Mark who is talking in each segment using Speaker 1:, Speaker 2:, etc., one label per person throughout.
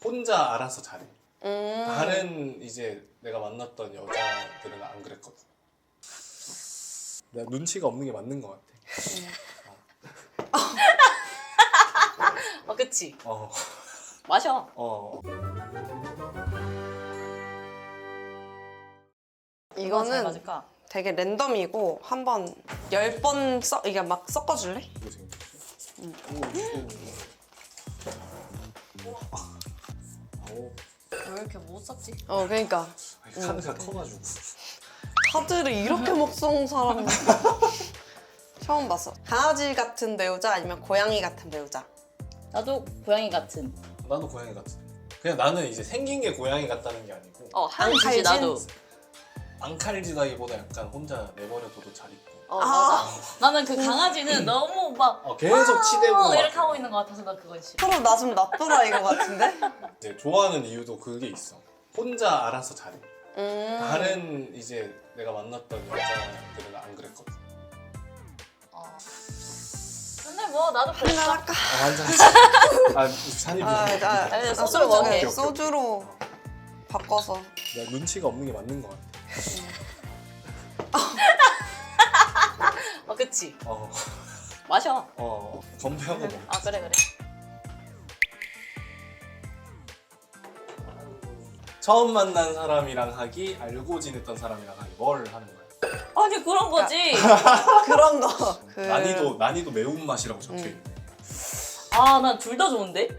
Speaker 1: 혼자 알아서 잘해. 다른 이제 내가 만났던 여자들은 안 그랬거든. 내가 눈치가 없는 게 맞는 것 같아.
Speaker 2: 그치?
Speaker 1: 어.
Speaker 2: 마셔. 잘
Speaker 3: 이거는
Speaker 2: 맞을까?
Speaker 3: 되게 랜덤이고 한번 10번 이게 막 섞어줄래?
Speaker 1: 이거 생겼어.
Speaker 2: 왜 이렇게 못 샀지?
Speaker 3: 그러니까
Speaker 1: 카드가 커가지고.
Speaker 3: 카드를 이렇게 못 쏘는 사람 처음 봤어. 강아지 같은 배우자 아니면 고양이 같은 배우자?
Speaker 2: 나도 고양이 같은.
Speaker 1: 나도 고양이 같은. 그냥 나는 이제 생긴 게 고양이 같다는 게 아니고
Speaker 2: 한지지
Speaker 3: 칼진?
Speaker 2: 나도.
Speaker 1: 안 칼지다기보다 약간 혼자 내버려둬도 잘 있고.
Speaker 2: 맞아. 나는 그 강아지는 너무 막
Speaker 1: 계속 치대고
Speaker 2: 이렇게
Speaker 1: 막
Speaker 2: 하고 있는 것 같아서 나 그건 싫어.
Speaker 3: 서로 나 좀 나쁘라 이거 같은데?
Speaker 1: 이제 좋아하는 이유도 그게 있어. 혼자 알아서 잘해. 다른 이제 내가 만났던 여자들은 안 그랬거든.
Speaker 2: 근데 뭐 나도
Speaker 3: 한잔
Speaker 2: 그랬어.
Speaker 3: 할까?
Speaker 1: 한잔 산이
Speaker 2: 아니, 소주를 먹게.
Speaker 3: 소주로 바꿔서.
Speaker 1: 내가 눈치가 없는 게 맞는 것 같아.
Speaker 2: 그치?
Speaker 1: 어.
Speaker 2: 마셔.
Speaker 1: 건배하고 먹.
Speaker 2: 그래.
Speaker 1: 처음 만난 사람이랑 하기, 알고 지냈던 사람이랑 하기, 뭘 하는 거야?
Speaker 2: 아니 그런 거지.
Speaker 3: 그런 거.
Speaker 1: 난이도 매운맛이라고 적혀있네.
Speaker 2: 난 둘 다 좋은데?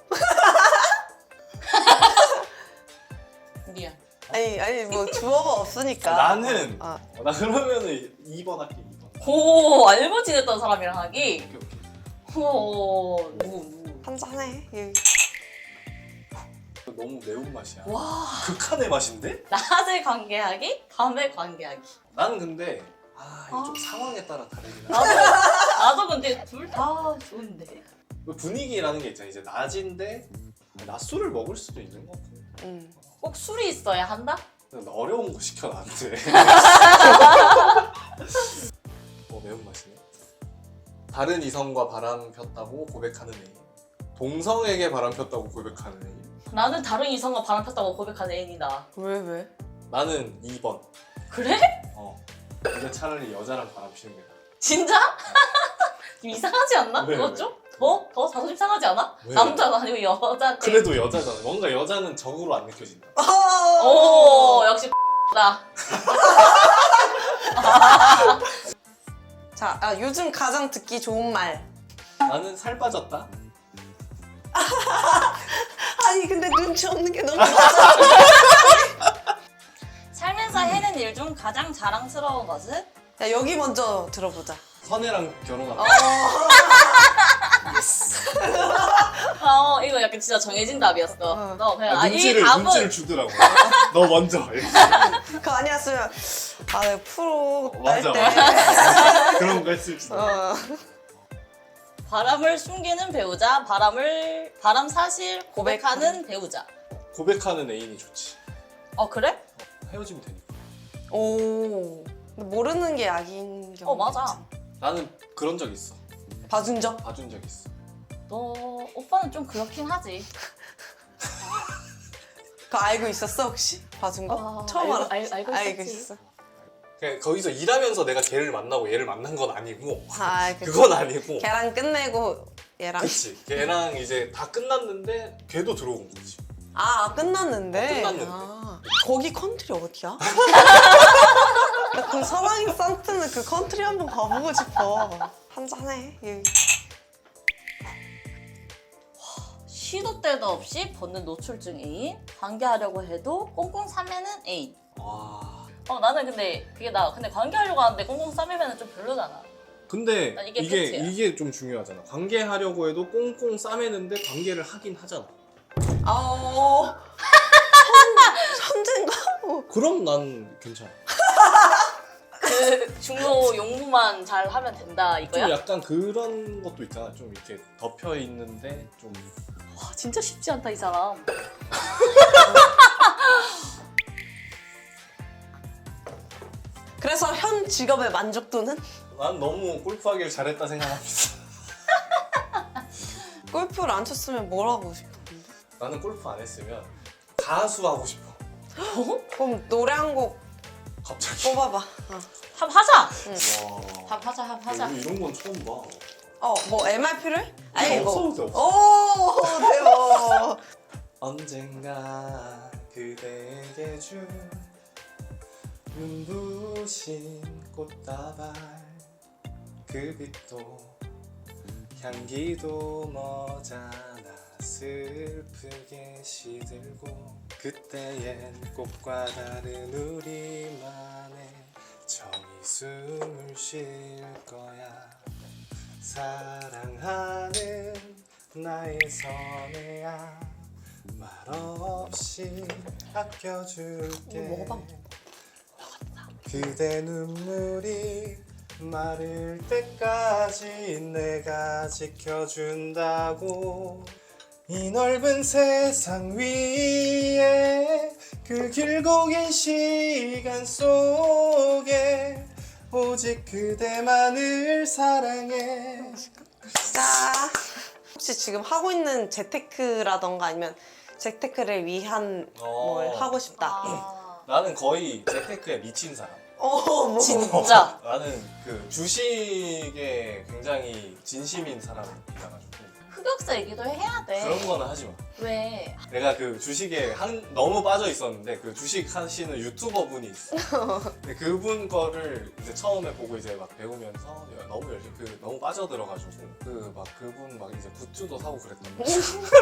Speaker 2: 미안.
Speaker 3: 아니 뭐 주어가 없으니까.
Speaker 1: 나는 나 그러면은 2번 할게. 2번.
Speaker 2: 오, 알고 지냈던 사람이랑 하기?
Speaker 1: 오케이.
Speaker 2: 누구?
Speaker 3: 한잔해.
Speaker 1: 너무 매운맛이야.
Speaker 2: 와.
Speaker 1: 극한의 맛인데?
Speaker 2: 낮에 관계하기? 밤에 관계하기.
Speaker 1: 나는 근데 이게 좀 상황에 따라 다르긴 해.
Speaker 2: 나도 근데 둘 다 좋은데.
Speaker 1: 분위기라는 게 있잖아. 이제 낮인데 낮술을 먹을 수도 있는 것 같아.
Speaker 2: 꼭 술이 있어야 한다?
Speaker 1: 어려운 거 시켜 나한테. 매운맛이네. 다른 이성과 바람 폈다고 고백하는 애인. 동성에게 바람 폈다고 고백하는 애인.
Speaker 2: 나는 다른 이성과 바람 폈다고 고백하는 애인이다.
Speaker 3: 왜?
Speaker 1: 나는 2번.
Speaker 2: 그래?
Speaker 1: 근데 차라리 여자랑 바람 피는 게 나아.
Speaker 2: 진짜? 좀 이상하지 않나?
Speaker 1: 왜,
Speaker 2: 그거
Speaker 1: 왜?
Speaker 2: 좀? 더 자존심 상하지 않아?
Speaker 1: 왜?
Speaker 2: 남자가 아니고 여자한테.
Speaker 1: 그래도 여자잖아. 뭔가 여자는 적으로 안 느껴진다.
Speaker 2: 오, 역시 나.
Speaker 3: 자, 요즘 가장 듣기 좋은 말.
Speaker 1: 나는 살 빠졌다.
Speaker 3: 아니 근데 눈치 없는 게 너무 많아.
Speaker 2: 살면서 해낸 일 중 가장 자랑스러운 것은?
Speaker 3: 야 여기 먼저 들어보자.
Speaker 1: 선혜랑 결혼한다.
Speaker 2: 이거 약간 진짜 정해진 답이었어. 너 그냥 이 답은
Speaker 1: 눈치를 주더라고. 너 먼저.
Speaker 3: 그거 아니었으면 내가 프로
Speaker 1: 맞아.
Speaker 3: 때
Speaker 1: 그런 거 했을지.
Speaker 2: 바람을 숨기는 배우자, 바람 사실 고백하는 배우자.
Speaker 1: 고백하는 애인이 좋지.
Speaker 2: 그래?
Speaker 1: 헤어지면 되니까.
Speaker 3: 오. 근데 모르는 게 약인 경우.
Speaker 2: 맞아.
Speaker 1: 나는 그런 적 있어.
Speaker 3: 봐준 적?
Speaker 1: 봐준 적 있어.
Speaker 2: 너 오빠는 좀 그렇긴 하지.
Speaker 3: 그거 알고 있었어 혹시? 봐준 거? 처음 알아?
Speaker 2: 알고 있었지.
Speaker 3: 있었어.
Speaker 1: 그냥 거기서 일하면서 내가 걔를 만나고 얘를 만난 건 아니고
Speaker 3: 그치.
Speaker 1: 그건 아니고.
Speaker 3: 걔랑 끝내고 얘랑.
Speaker 1: 그치. 걔랑 이제 다 끝났는데 걔도 들어온 거지.
Speaker 3: 끝났는데.
Speaker 1: 끝났는데.
Speaker 3: 거기 컨트리 어디야? 나 그 사랑의 산트는 그 컨트리 한번 가보고 싶어. 한잔해.
Speaker 2: 시도 때도 없이 벗는 노출증 애인, 관계하려고 해도 꽁꽁 싸매는 애인.
Speaker 1: 와.
Speaker 2: 나는 근데 근데 관계하려고 하는데 꽁꽁 싸매면 좀 별로잖아.
Speaker 1: 근데
Speaker 2: 난 이게
Speaker 1: 이게
Speaker 2: 팩트야.
Speaker 1: 이게 좀 중요하잖아. 관계하려고 해도 꽁꽁 싸매는데 관계를 하긴 하잖아.
Speaker 3: 천재인가?
Speaker 1: 그럼 난 괜찮아.
Speaker 2: 그 중로 용무만 잘 하면 된다 이거야?
Speaker 1: 좀 약간 그런 것도 있잖아. 좀 이렇게 덮여 있는데 좀.
Speaker 2: 와, 진짜 쉽지 않다 이 사람.
Speaker 3: 그래서 현 직업의 만족도는?
Speaker 1: 난 너무 골프하기를 잘했다 생각합니다.
Speaker 3: 골프를 안 쳤으면 뭘 하고 싶었는데?
Speaker 1: 나는 골프 안 했으면 가수 하고 싶어.
Speaker 3: 그럼 노래 한 곡
Speaker 1: 갑자기.
Speaker 3: 뽑아봐.
Speaker 2: 합하자.
Speaker 1: 와.
Speaker 2: 합하자 합하자.
Speaker 1: 우리 이런 건 처음 봐.
Speaker 3: 뭐 MR 필요해? 아니
Speaker 1: 없어도 돼, 없어.
Speaker 3: 오 대박.
Speaker 1: 언젠가 그대에게 준 눈부신 꽃다발 그 빛도 향기도 머잖아 슬프게 시들고 그때엔 꽃과 다른 우리만의 정이 숨을 쉴 거야 사랑하는 나의 선혜야 말없이 아껴줄게
Speaker 2: 먹어봐.
Speaker 1: 그대 눈물이 마를 때까지 내가 지켜준다고 이 넓은 세상 위에 그 길고 긴 시간 속에 오직 그대만을 사랑해.
Speaker 3: 자, 혹시 지금 하고 있는 재테크라던가 아니면 재테크를 위한 뭘 하고 싶다.
Speaker 2: 아,
Speaker 1: 나는 거의 재테크에 미친 사람.
Speaker 3: 뭐.
Speaker 2: 진짜.
Speaker 1: 나는 그 주식에 굉장히 진심인 사람이라가지고
Speaker 2: 흑역사 얘기도 해야 돼.
Speaker 1: 그런 거는 하지 마.
Speaker 2: 왜?
Speaker 1: 내가 그 주식에 너무 빠져 있었는데 그 주식 하시는 유튜버 분이 있어. 근데 그분 거를 이제 처음에 보고 이제 막 배우면서 너무 열심히 너무 빠져들어가지고 그분 막 이제 굿즈도 사고 그랬던 거야.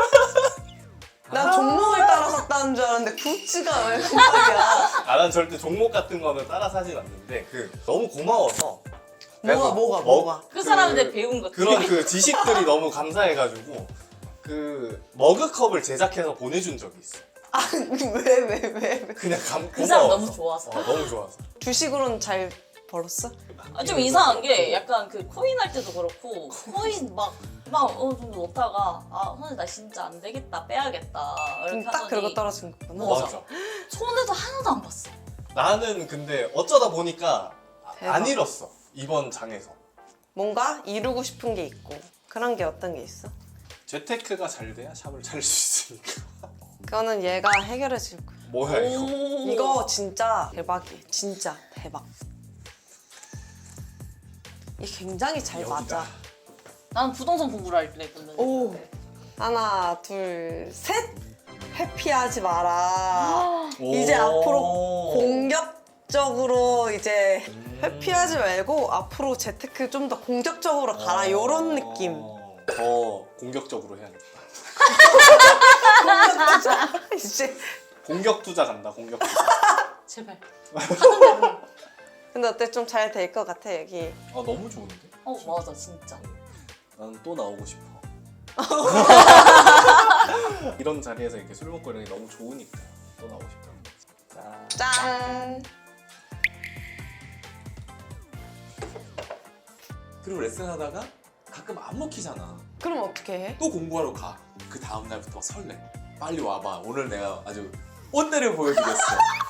Speaker 3: 난 종목을 따라 샀다는 줄 알았는데 굿즈가 왜 그거야?
Speaker 1: 난 절대 종목 같은 거는 따라 사진 않는데 너무 고마워서 내가
Speaker 3: 뭐가?
Speaker 2: 그 사람한테 배운 거.
Speaker 1: 그런 그 지식들이 너무 감사해가지고 그 머그컵을 제작해서 보내준 적이 있어.
Speaker 3: 왜?
Speaker 1: 그냥
Speaker 2: 그 사람
Speaker 1: 고마워서.
Speaker 2: 너무 좋아서.
Speaker 1: 너무 좋아서.
Speaker 3: 주식으로는 잘 벌었어?
Speaker 2: 좀 이상한 게 약간 그 코인 할 때도 그렇고 코인 막 어느 정도 넣다가 선생님 나 진짜 안 되겠다 빼야겠다 이렇게
Speaker 3: 딱
Speaker 2: 하더니
Speaker 3: 그러고 떨어진 거구나.
Speaker 1: 맞아.
Speaker 2: 손에도 하나도 안 봤어.
Speaker 1: 나는 근데 어쩌다 보니까
Speaker 3: 대박.
Speaker 1: 안 잃었어. 이번 장에서.
Speaker 3: 뭔가 이루고 싶은 게 있고 그런 게 어떤 게 있어?
Speaker 1: 재테크가 잘 돼야 샵을 차릴 수 있으니까.
Speaker 3: 그거는 얘가 해결해 줄 거야.
Speaker 1: 뭐야 이거.
Speaker 3: 이거 진짜 대박이에요. 진짜 대박. 이게 굉장히 잘
Speaker 1: 여기다.
Speaker 3: 맞아.
Speaker 2: 나는 부동산 공부를 할때 했거든.
Speaker 3: 오. 하나, 둘, 셋. 회피하지 마라. 이제 앞으로 공격적으로 이제 회피하지 말고 앞으로 재테크 좀 더 공격적으로 가라. 이런 느낌.
Speaker 1: 더 공격적으로 해야겠다.
Speaker 3: 공격자. 이제.
Speaker 1: 공격 투자 간다. 공격 투자.
Speaker 2: 제발. 하는 대로.
Speaker 3: 근데 어때? 좀 잘 될 것 같아 여기.
Speaker 1: 너무 좋은데?
Speaker 2: 맞아 진짜.
Speaker 1: 나는 또 나오고 싶어. 이런 자리에서 이렇게 술 먹고 이런 게 너무 좋으니까 또 나오고 싶다.
Speaker 3: 짠.
Speaker 4: 그리고 레슨하다가 가끔 안 먹히잖아.
Speaker 3: 그럼 어떻게 해?
Speaker 4: 또 공부하러 가. 그 다음 날부터 설레. 빨리 와봐. 오늘 내가 아주 온내를 보여주겠어.